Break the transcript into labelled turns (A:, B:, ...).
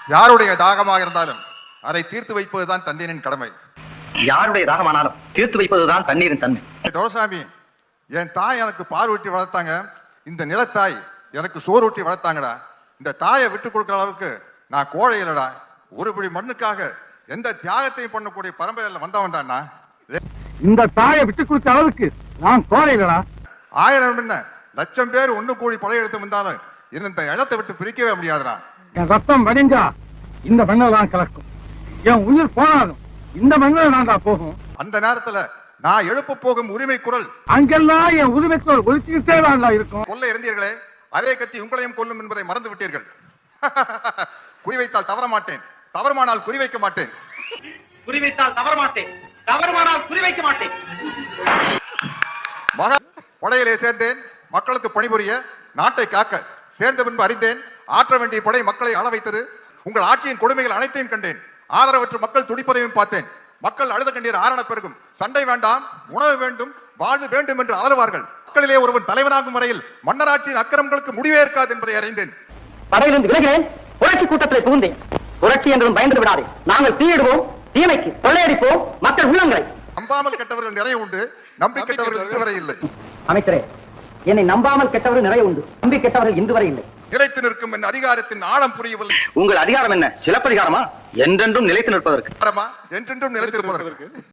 A: யாருடைய தாகமாக இருந்தாலும் அதை தீர்த்து வைப்பதுதான் தண்ணீரின் கடமை.
B: யாருடைய தாகமானாலும் தீர்த்து வைப்பதுதான் தண்ணீரின் தன்மை.
A: துரைசாமி, என் தாய் எனக்கு பால் ஊட்டி வளர்த்தாங்க, இந்த நிலத்தாய் எனக்கு சோறு ஊட்டி வளர்த்தாங்கடா. இந்த தாயை விட்டு கொடுக்குற அளவுக்கு நான் கோழை இல்லடா. ஒரு பிடி மண்ணுக்காக எந்த தியாகத்தையும் பண்ணக்கூடிய பரம்பரையில வந்தவன் தான்டா.
C: இந்த தாயை விட்டு கொடுத்த அளவுக்கு நான் கோழை இல்லடா.
A: 1000 என்ன 1,00,000 பேர் ஒண்ணு கூடி படையெடுத்து வந்தாலும் இந்த இடத்தை விட்டு பிரிக்கவே முடியாதுடா.
C: என் ரத்தம் வடிஞ்சா இந்த மண்ணில் தான் கலக்கும். என் உயிர் போனாலும் இந்த மண்ணில் தான்டா போகும்.
A: அந்த நேரத்துல நான் எழுப்ப போகும் உரிமை குரல்
C: அங்கெல்லாம் என் உரிமை குரல் ஒழிச்சுக்கிட்டே தான்டா இருக்கும்.
A: கொல்ல இருந்தீர்களே, அதே கத்தி உங்களையும் கொல்லும் என்பதை மறந்து விட்டீர்கள். குறிவைத்தால் தவற மாட்டேன், தவறுமானால் குறிவைக்க மாட்டேன்.
B: குறிவைத்தால் தவற மாட்டேன், தவறுமானால் குறிவைக்க மாட்டேன்.
A: படையிலே சேர்ந்தேன் மக்களுக்கு பணிபுரிய, நாட்டை காக்க. சேர்ந்த பின்பு அறிந்தேன் ஆற்ற வேண்டிய படை மக்களை ஆள வைத்தது. உங்கள் ஆட்சியின் கொடுமைகள் அனைத்தையும் கண்டேன். ஆதரவற்ற மக்கள் துடிப்பதையும் பார்த்தேன். மக்கள் அழுத கண்ணீர் ஆரண பெருகும். சண்டை வேண்டாம், உணவு வேண்டும், வாழ்வு வேண்டும் என்று அலறுவார்கள். மக்களிலே ஒருவன் தலைவனாகும் வரையில் மன்னராட்சியின் அக்கிரமங்களுக்கு முடிவே இருக்காது என்பதை அறிந்தேன்.
B: படையிலிருந்து விலகினேன், புரட்சி கூட்டத்தில் புகுந்தேன். புரட்சி என்றும் பயந்து விடாதே. நாங்கள் தீயிடுவோம், தீமைக்கு கொள்ளையடிப்போம் மக்கள் உள்ளங்களை.
A: நம்பாமல் கெட்டவர்கள் நிறைய உண்டு, நம்பி கெட்டவர்கள் இன்று வரை இல்லை.
B: அமைச்சரே, என்னை நம்பாமல் கெட்டவர்கள் நிறைய உண்டு, நம்பி கெட்டவர்கள் இன்று வரை இல்லை.
A: நிலைத்து நிற்கும் என் அதிகாரத்தின் ஆழம் புரியவில்லை.
B: உங்கள் அதிகாரம் என்ன? சிலப்பதிகாரமா? என்றென்றும் நிலைத்து நிற்பதற்கு.
A: என்றென்றும் நிலைத்திருப்பதற்கு.